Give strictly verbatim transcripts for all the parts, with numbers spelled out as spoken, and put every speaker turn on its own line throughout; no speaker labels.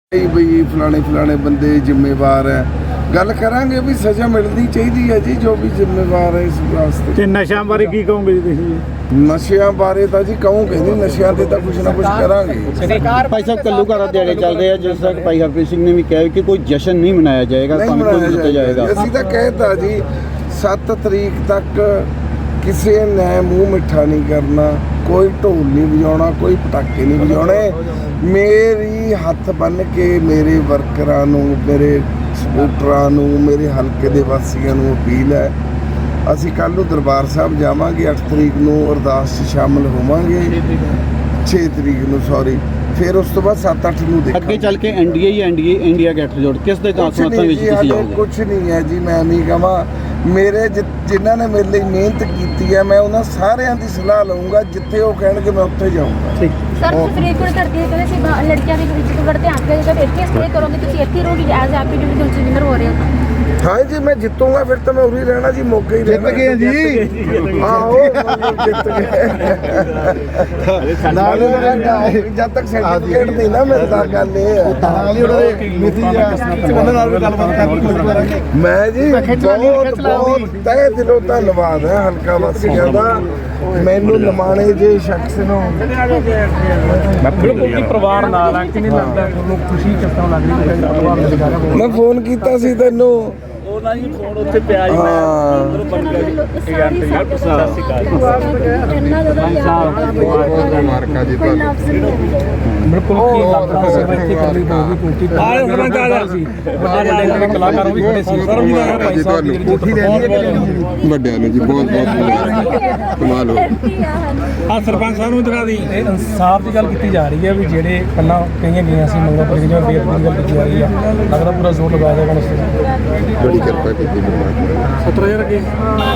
ਬਈ ਫਲਾਣੇ ਫਲਾਣੇ ਬੰਦੇ ਜ਼ਿੰਮੇਵਾਰ ਹੈ। ਗੱਲ ਕਰਾਂਗੇ ਵੀ ਸਜ਼ਾ ਮਿਲਣੀ ਚਾਹੀਦੀ ਹੈ ਜੀ, ਜੋ ਵੀ ਜ਼ਿੰਮੇਵਾਰ ਹੈ ਇਸ ਵਾਸਤੇ।
ਤੇ ਨਸ਼ਿਆਂ ਬਾਰੇ ਕੀ ਕਹੋਗੇ ਜੀ ਤੁਸੀਂ?
ਨਸ਼ਿਆਂ ਬਾਰੇ ਤਾਂ ਜੀ ਕਹੋਗੇ ਨਹੀਂ, ਨਸ਼ਿਆਂ ਤੇ ਤਾਂ ਕੁਝ ਨਾ ਕੁਝ ਕਰਾਂਗੇ।
ਭਾਈ ਸਾਹਿਬ ਘੱਲੂਘਾਰਾ ਦਿਹਾੜੇ ਚੱਲ ਰਹੇ ਆ, ਜਿਸ ਤਰ੍ਹਾਂ ਭਾਈ ਹਰਪ੍ਰੀਤ ਸਿੰਘ ਨੇ ਵੀ ਕਿਹਾ ਕਿ ਕੋਈ ਜਸ਼ਨ ਨਹੀਂ ਮਨਾਇਆ ਜਾਏਗਾ,
ਨਹੀਂ
ਤੁਹਾਨੂੰ ਦਿੱਤਾ ਜਾਏਗਾ।
ਅਸੀਂ ਤਾਂ ਕਹਿਤਾ ਜੀ ਸੱਤ ਤਰੀਕ ਤੱਕ ਕਿਸੇ ਨੇ ਮੂੰਹ ਮਿੱਠਾ ਨਹੀਂ ਕਰਨਾ, ਕੋਈ ਢੋਲ ਨਹੀਂ ਵਜਾਉਣਾ, ਕੋਈ ਪਟਾਕੇ ਨਹੀਂ ਵਜਾਉਣੇ। ਮੇਰੀ ਹੱਥ ਬੰਨ੍ਹ ਕੇ ਮੇਰੇ ਵਰਕਰਾਂ ਨੂੰ, ਮੇਰੇ ਸਪੋਰਟਰਾਂ ਨੂੰ, ਮੇਰੇ ਹਲਕੇ ਦੇ ਵਾਸੀਆਂ ਨੂੰ ਅਪੀਲ ਹੈ, ਅਸੀਂ ਕੱਲ੍ਹ ਨੂੰ ਦਰਬਾਰ ਸਾਹਿਬ ਜਾਵਾਂਗੇ, ਅੱਠ ਤਰੀਕ ਨੂੰ ਅਰਦਾਸ 'ਚ ਸ਼ਾਮਲ ਹੋਵਾਂਗੇ, ਛੇ ਤਰੀਕ ਨੂੰ ਸੌਰੀ, ਫਿਰ ਉਸ ਤੋਂ ਬਾਅਦ ਸੱਤ ਅੱਠ ਨੂੰ ਦੇਖਾਂਗੇ।
ਅੱਗੇ ਚੱਲ ਕੇ ਐਨਡੀਏ ਹੀ ਐਨਡੀਏ ਇੰਡੀਆ ਗੱਠਜੋੜ ਕਿਸ ਦੇ ਸਮਰਥਨ ਵਿੱਚ ਤੁਸੀਂ ਜਾਓਗੇ?
ਕੁਛ ਨਹੀਂ ਹੈ ਜੀ, ਮੈਂ ਨਹੀਂ ਕਹਾਂ। ਮੇਰੇ ਜਿਨ੍ਹਾਂ ਨੇ ਮੇਰੇ ਲਈ ਮਿਹਨਤ ਕੀਤੀ ਹੈ, ਮੈਂ ਉਹਨਾਂ ਸਾਰਿਆਂ ਦੀ ਸਲਾਹ ਲਊਂਗਾ, ਜਿੱਥੇ ਉਹ ਕਹਿਣਗੇ ਮੈਂ ਉੱਥੇ ਜਾਊਂਗਾ।
ਸਰ ਤੁਸੀਂ ਫਰੀਦਕੋਟ ਕਰਦੇ ਹੋ, ਕਹਿੰਦੇ ਸੀ ਲੜਕੀਆਂ ਦੇ ਵਿੱਚ ਬੜਾ ਧਿਆਨ ਦਿਓ, ਜਦ ਇੱਥੇ ਸਟੇ ਕਰੋਗੇ ਤੁਸੀਂ ਇੱਥੇ ਰਹੋਗੇ ਐਜ਼ ਹੈਪੀ ਡਿਵੀਜ਼ਨ ਵਿਨਰ ਹੋ ਰਹੇ ਹੋ। ਹਾਂ
ਜੀ ਮੈਂ ਜਿੱਤੂਗਾ ਫਿਰ ਤਾਂ ਮੈਂ ਉਰੀ ਰਹਿਣਾ ਜੀ, ਮੌਕੇ ਹੀ ਰਹਿਣਾ।
ਜਿੱਤ ਗਏ ਜੀ,
ਆਹੋ ਜਿੱਤ ਗਏ। ਜਦ ਤੱਕ ਸਰਟੀਫਿਕੇਟ ਨਹੀਂ ਨਾ ਮਿਲਦਾ, ਗੱਲ ਇਹ ਹੈ। ਮੈਂ ਜੀ ਬਹੁਤ ਬਹੁਤ ਤਹਿ ਦਿਲੋਂ ਧੰਨਵਾਦ ਹੈ ਹਲਕਾ ਵਾਸੀਆਂ ਦਾ, ਮੈਨੂੰ ਲਮਾਣੇ ਜੇ ਸ਼ਖਸ ਨੂੰ।
ਬਿਲਕੁਲ ਜੀ, ਪਰਿਵਾਰ ਨਾਲ ਆ ਕਿ ਨਹੀਂ ਲੱਗਦਾ ਤੁਹਾਨੂੰ ਖੁਸ਼ੀ ਕਿਸ ਤਰ੍ਹਾਂ ਲੱਗ ਰਹੀ ਹੈ ਪਰਿਵਾਰ ਦੇ ਨਾਲ?
ਮੈਂ ਫੋਨ ਕੀਤਾ ਸੀ ਤੈਨੂੰ,
ਉਹਨਾਂ ਜੀ ਫੋਨ ਉੱਥੇ ਪਿਆ ਜੀ,
ਹਾਂ
ਮਾਰਕਾ ਜੀ
ਬਿਲਕੁਲ ਕੀ ਲੱਗਦਾ ਸਰ ਇੱਥੇ ਕਰਨੀ ਪਊਗੀ ਕਿਉਂਕਿ ਆਏ ਉਹਨਾਂ ਦਾ ਸੀ ਵੱਡੇ ਕਲਾਕਾਰਾਂ ਵੀ ਖੜੇ ਸੀ ਸਰ, ਵੀ ਨਾ ਭਾਈ ਸਾਹਿਬ ਦੀ ਕੋਠੀ ਦੇ
ਵੱਡਿਆਂ ਨੂੰ ਜੀ ਬਹੁਤ ਬਹੁਤ ਕਮਾਲ ਹੋ।
ਆ ਸਰਪੰਚ ਸਾਹਿਬ ਨੂੰ ਦਿਖਾ ਦੀ। ਇਨਸਾਫ ਦੀ ਗੱਲ ਕੀਤੀ ਜਾ ਰਹੀ ਹੈ ਵੀ ਜਿਹੜੇ ਪਹਿਲਾਂ ਕਈਆਂ ਗਈਆਂ ਸੀ ਮੰਗਾਂ ਪਰ ਜਿਵੇਂ ਬੇਅਦਬੀ ਦੀ ਗੱਲ ਕੀਤੀ ਜਾ ਰਹੀ ਆ, ਲੱਗਦਾ ਪੂਰਾ ਜ਼ੋਰ ਲਗਾ ਦੇਗਾ ਉਸ ਤੇ।
ਬੜੀ ਕਿਰਪਾ ਕੀਤੀ ਪਰਮਾਤਮਾ।
ਸੱਤਰ ਹਜ਼ਾਰ ਅੱਗੇ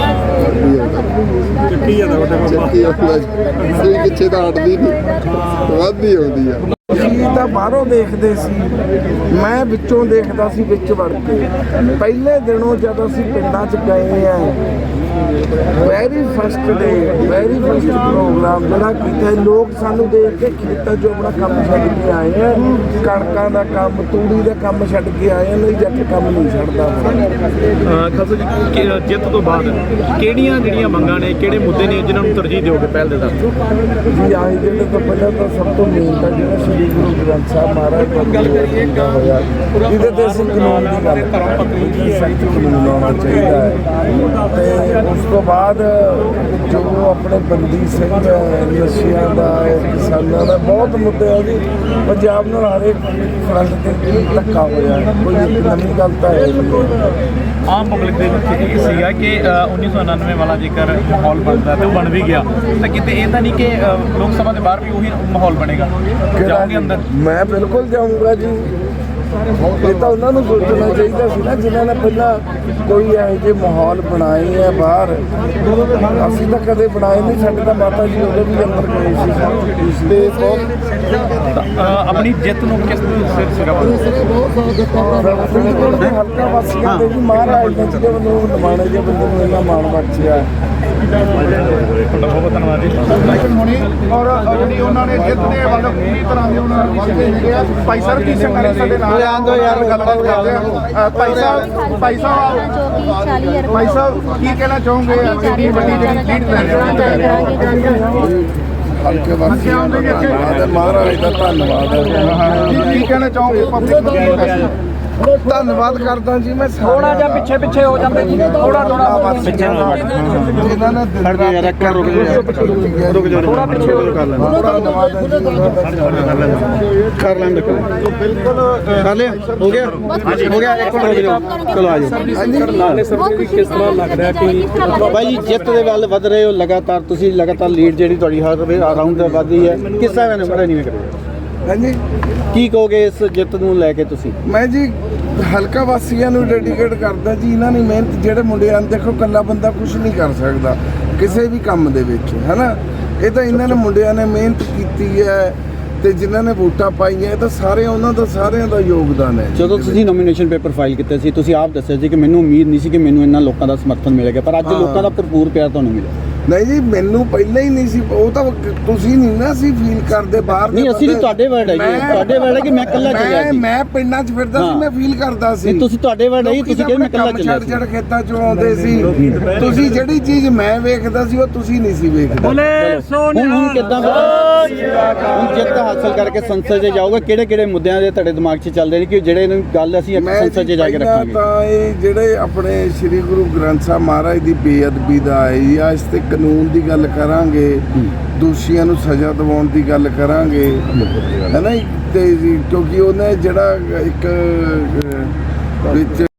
ਚੱਕੀ ਜਾਂਦਾ ਵੱਡੇ ਬਾਬਾ,
ਚੱਕੀ ਆਉਂਦਾ ਜੀ, ਸੂਈ ਪਿੱਛੇ ਤਾਂ ਹਟਦੀ ਨਹੀਂ, ਵੱਧਦੀ ਆਉਂਦੀ ਆ।
ਅਸੀਂ ਤਾਂ ਬਾਹਰੋਂ ਦੇਖਦੇ ਸੀ, ਮੈਂ ਵਿੱਚੋਂ ਦੇਖਦਾ ਸੀ, ਵਿੱਚ ਵੜ ਕੇ। ਪਹਿਲੇ ਦਿਨੋਂ ਜਦੋਂ ਅਸੀਂ ਪਿੰਡਾਂ 'ਚ ਗਏ ਆ, very first day very first program ਜਿਹੜਾ ਕੀਤਾ, ਲੋਕ ਸਾਨੂੰ ਦੇਖ ਕੇ ਖੇਤਾਂ 'ਚੋਂ ਆਪਣਾ ਕੰਮ ਛੱਡ ਕੇ ਆਏ ਆ, ਕਣਕਾਂ ਦਾ ਕੰਮ, ਤੂੜੀ ਦਾ ਕੰਮ ਛੱਡ ਕੇ ਆਏ ਆ। ਨਹੀਂ ਜੱਟ ਕੰਮ ਨਹੀਂ ਛੱਡਦਾ।
ਖਾਸਾ ਜੀ ਜਿੱਤ ਤੋਂ ਬਾਅਦ ਕਿਹੜੀਆਂ ਜਿਹੜੀਆਂ ਮੰਗਾਂ ਨੇ, ਕਿਹੜੇ ਮੁੱਦੇ ਨੇ ਜਿਨ੍ਹਾਂ ਨੂੰ ਤਰਜੀਹ ਦਿਓਗੇ ਪਹਿਲ ਦੇ ਦਰ?
ਜੀ ਆਏ ਜਿਹੜੇ ਤੋਂ ਪਹਿਲਾਂ ਤਾਂ ਸਭ ਤੋਂ ਮੇਨ ਤਾਂ ਜਿਹੜਾ ਸ਼੍ਰੀ ਗੁਰੂ ਗ੍ਰੰਥ ਸਾਹਿਬ ਮਹਾਰਾਜ ਦਾ ਹੋਇਆ, ਇਹਦੇ ਤੇ ਅਸੀਂ ਕਾਨੂੰਨ ਦੀ ਗੱਲ ਕਰਾਂਗੇ, ਸਖਤ ਕਾਨੂੰਨ ਆਉਣਾ ਚਾਹੀਦਾ ਹੈ। ਤੇ ਉਸ ਤੋਂ ਬਾਅਦ ਜੋ ਆਪਣੇ ਬੰਦੀ ਸਿੰਘ ਨਸ਼ਿਆਂ ਦਾ, ਕਿਸਾਨਾਂ ਦਾ ਬਹੁਤ ਮੁੱਦੇ ਆ ਜੀ। ਪੰਜਾਬ ਨਾਲ ਹਰੇਕ ਫਰੰਟ ਤੇ ਧੱਕਾ ਹੋਇਆ, ਕੋਈ ਨਵੀਂ ਗੱਲ ਤਾਂ ਹੈ
ਆਮ ਪਬਲਿਕ ਦੇ ਵਿੱਚ ਇਹ ਸੀਗਾ ਕਿ ਉੱਨੀ ਸੌ ਉਣਾਨਵੇਂ ਵਾਲਾ ਜੇਕਰ ਮਾਹੌਲ ਬਣਦਾ ਤੇ ਉਹ ਬਣ ਵੀ ਗਿਆ, ਤਾਂ ਕਿਤੇ ਇਹ ਤਾਂ ਨਹੀਂ ਕਿ ਲੋਕ ਸਭਾ ਦੇ ਬਾਹਰ ਵੀ ਉਹੀ ਮਾਹੌਲ ਬਣੇਗਾ? ਜਾਓਗੇ ਅੰਦਰ?
ਮੈਂ ਬਿਲਕੁਲ ਜਾਊਂਗਾ ਜੀ। ਇਹ ਤਾਂ ਉਹਨਾਂ ਨੂੰ ਸੋਚਣਾ ਚਾਹੀਦਾ ਸੀ ਨਾ, ਜਿਨ੍ਹਾਂ ਨੇ ਪਹਿਲਾਂ ਕੋਈ ਇਹੋ ਜਿਹੇ ਮਾਹੌਲ ਬਣਾਏ ਆ ਬਾਹਰ। ਅਸੀਂ ਤਾਂ ਕਦੇ ਬਣਾਏ ਨਹੀਂ, ਸਾਡੇ ਤਾਂ ਮਾਤਾ ਜੀ ਉਦੋਂ ਵੀ ਅੰਦਰ ਗਏ ਸੀ। ਤੇ
ਆਪਣੀ ਜਿੱਤ ਨੂੰ ਕਿਸ ਸਿਰ ਸਿਰਾ
ਹਲਕਾ ਵਾਸੀਆਂ ਦੇ ਵੀ ਮਹਾਰਾਜ ਨੇ ਜਿਹਦੇ ਵੱਲੋਂ ਨਿਮਾਣੇ ਜਿਹੇ ਬੰਦੇ ਨੂੰ ਇੰਨਾ ਮਾਣ ਬਖਸ਼ਿਆ।
ਬਹੁਤ ਧੰਨਵਾਦ ਜੀ।
ਔਰ ਜਿਹੜੀ ਉਹਨਾਂ ਨੇ ਜਿੱਤ ਦੇ ਵੱਲ ਪੂਰੀ ਤਰ੍ਹਾਂ ਦੇ ਉਹਨਾਂ ਨੂੰ ਵਾਅਦੇ ਹੈਗੇ ਆ। ਭਾਈ ਸਾਹਿਬ ਕੀ ਸੰਗਤ ਸਾਡੇ ਨਾਲ ਗੱਲਬਾਤ ਕਰਦੇ ਆ। ਭਾਈ ਸਾਹਿਬ ਭਾਈ ਸਾਹਿਬ ਭਾਈ ਸਾਹਿਬ ਕੀ ਕਹਿਣਾ ਚਾਹੋਗੇ ਇੰਨੀ ਵੱਡੀ ਜਿਹੜੀ ਲੀਡ ਲੈ ਰਹੇ ਹੋ?
ਹਲਕੇ ਵਾਸੀਆਂ ਦਾ ਧੰਨਵਾਦ ਹੈ, ਮਹਾਰਾਜ ਦਾ ਧੰਨਵਾਦ ਹੈ।
ਕੀ ਕਹਿਣਾ ਚਾਹੋਗੇ ਪਬਲਿਕ ਨੂੰ?
ਧੰਨਵਾਦ ਕਰਦਾ ਜੀ ਮੈਂ
ਥੋੜਾ ਜਿਹਾ ਪਿੱਛੇ ਪਿੱਛੇ ਹੋ ਜਾਂਦੇ ਜੀ, ਥੋੜਾ ਥੋੜਾ ਪਿੱਛੇ
ਜਿਨ੍ਹਾਂ ਨੇ
ਖੜ ਜਾ ਯਾਰ, ਇੱਕ ਰੁਕ ਜਾ, ਰੁਕ ਜਾ,
ਥੋੜਾ ਪਿੱਛੇ ਹੋ
ਕਰ ਲੈ,
ਧੰਨਵਾਦ ਹੈ ਜੀ।
ਕਰ ਲੈਂਦੇ ਕਰ ਲਿਆ, ਹੋ ਗਿਆ ਹੋ ਗਿਆ, ਇੱਕ ਮਿੰਟ ਰੁਕ ਜਾਓ, ਚਲੋ ਆ ਜਾਓ।
ਕਿਸ ਤਰ੍ਹਾਂ ਲੱਗ ਰਿਹਾ ਕਿ
ਬਾਈ ਜੀ ਜਿੱਤ ਦੇ ਵੱਲ ਵਧ ਰਹੇ ਹੋ ਲਗਾਤਾਰ, ਤੁਸੀਂ ਲਗਾਤਾਰ ਲੀਡ ਜਿਹੜੀ ਤੁਹਾਡੀ ਹਰ ਰਾਊਂਡ ਤੇ ਵੱਧਦੀ ਹੈ, ਕਿਸ ਤਰ੍ਹਾਂ ਮੈਨੂੰ ਪਤਾ ਨਹੀਂ ਕਰੋ
ਹਾਂਜੀ
ਕੀ ਕਹੋਗੇ ਇਸ ਜਿੱਤ ਨੂੰ ਲੈ ਕੇ ਤੁਸੀਂ?
ਮੈਂ ਜੀ ਹਲਕਾ ਵਾਸੀਆਂ ਨੂੰ ਡੈਡੀਕੇਟ ਕਰਦਾ ਜੀ। ਇਹਨਾਂ ਨੇ ਮਿਹਨਤ, ਜਿਹੜੇ ਮੁੰਡਿਆਂ ਨੂੰ ਦੇਖੋ, ਇਕੱਲਾ ਬੰਦਾ ਕੁਝ ਨਹੀਂ ਕਰ ਸਕਦਾ ਕਿਸੇ ਵੀ ਕੰਮ ਦੇ ਵਿੱਚ, ਹੈ ਨਾ। ਇਹ ਤਾਂ ਇਹਨਾਂ ਨੇ ਮੁੰਡਿਆਂ ਨੇ ਮਿਹਨਤ ਕੀਤੀ ਹੈ, ਤੇ ਜਿਨ੍ਹਾਂ ਨੇ ਵੋਟਾਂ ਪਾਈਆਂ, ਇਹ ਤਾਂ ਸਾਰੇ ਉਹਨਾਂ ਦਾ ਸਾਰਿਆਂ ਦਾ ਯੋਗਦਾਨ ਹੈ।
ਜਦੋਂ ਤੁਸੀਂ ਨੋਮੀਨੇਸ਼ਨ ਪੇਪਰ ਫਾਈਲ ਕੀਤੇ ਸੀ, ਤੁਸੀਂ ਆਪ ਦੱਸਿਆ ਸੀ ਕਿ ਮੈਨੂੰ ਉਮੀਦ ਨਹੀਂ ਸੀ ਕਿ ਮੈਨੂੰ ਇਹਨਾਂ ਲੋਕਾਂ ਦਾ ਸਮਰਥਨ ਮਿਲੇਗਾ, ਪਰ ਅੱਜ ਲੋਕਾਂ ਦਾ ਭਰਪੂਰ ਪਿਆਰ ਤੁਹਾਨੂੰ ਮਿਲਿਆ।
ਨਹੀਂ ਜੀ ਮੈਨੂੰ ਪਹਿਲਾਂ ਹੀ ਨਹੀਂ ਸੀ, ਉਹ ਤਾਂ ਤੁਸੀਂ ਨਹੀਂ ਨਾ ਸੀ ਫੀਲ ਕਰਦੇ ਬਾਹਰ ਦੇ
ਨਹੀਂ, ਅਸੀਂ
ਬੰਦੇ।
ਤੁਹਾਡੇ word ਹੈ ਜੀ,
ਮੈਂ-
ਤੁਹਾਡੇ word ਹੈ ਕਿ ਮੈਂ ਇਕੱਲਾ ਚੱਲਿਆ
ਮੈਂ-
ਸੀ।
ਮੈਂ ਪਿੰਡਾਂ 'ਚ ਫਿਰਦਾ ਸੀ,
ਹਾਂ।
ਮੈਂ ਫੀਲ ਕਰਦਾ ਸੀ।
ਨਹੀਂ, ਤੁਸੀਂ ਤੁਹਾਡੇ word ਹੈ ਜੀ,
ਲੋਕੀ
ਤੁਸੀਂ ਕਹਿੰਦੇ ਮੈਂ ਇਕੱਲਾ
ਕੰਮ
ਚੱਲਿਆ
ਛੱਡ
ਸੀ।
ਛੱਡ ਖੇਤਾਂ 'ਚੋਂ ਆਉਂਦੇ ਸੀ, ਤੁਸੀਂ ਜਿਹੜੀ ਚੀਜ਼ ਮੈਂ ਵੇਖਦਾ ਸੀ ਉਹ ਤੁਸੀਂ ਨਹੀਂ ਸੀ ਵੇਖਦੇ।
ਹੁਣ ਹੁਣ ਕਿੱਦਾਂ ਹੁਣ ਜਿੱਤ ਹਾਸਲ ਕਰਕੇ ਸੰਸਦ 'ਚ ਜਾਊਗਾ, ਕਿਹੜੇ ਕਿਹੜੇ ਮੁੱਦਿਆਂ ਦੇ ਤੁਹਾਡੇ ਦਿਮਾਗ 'ਚ ਚੱਲਦੇ ਨੇ ਕਿ ਜਿਹੜੇ ਨੂੰ ਗੱਲ ਅਸੀਂ
ਮੈਂ
ਸੰਸਦ 'ਚ ਜਾ ਕੇ
ਪਹਿਲਾਂ
ਰੱਖਾਂਗੇ?
ਤਾਂ ਇਹ ਜਿਹੜੇ ਆਪਣੇ ਸ੍ਰੀ ਗੁਰੂ ਗ੍ਰੰਥ ਸਾਹਿਬ ਮਹਾਰਾਜ ਦੀ ਬੇਅਦਬੀ ਦਾ ਆਈ ਆ, ਇਸ ਤੇ ਕਾਨੂੰਨ ਦੀ ਗੱਲ ਕਰਾਂਗੇ, ਦੋਸ਼ੀਆਂ ਨੂੰ ਸਜ਼ਾ ਦਿਵਾਉਣ ਦੀ ਗੱਲ ਕਰਾਂਗੇ, ਹੈ ਨਾ ਜੀ? ਤੇ ਜੀ, ਕਿਉਂਕਿ ਉਹਨੇ ਜਿਹੜਾ ਇੱਕ ਅਹ, ਵਿੱਚ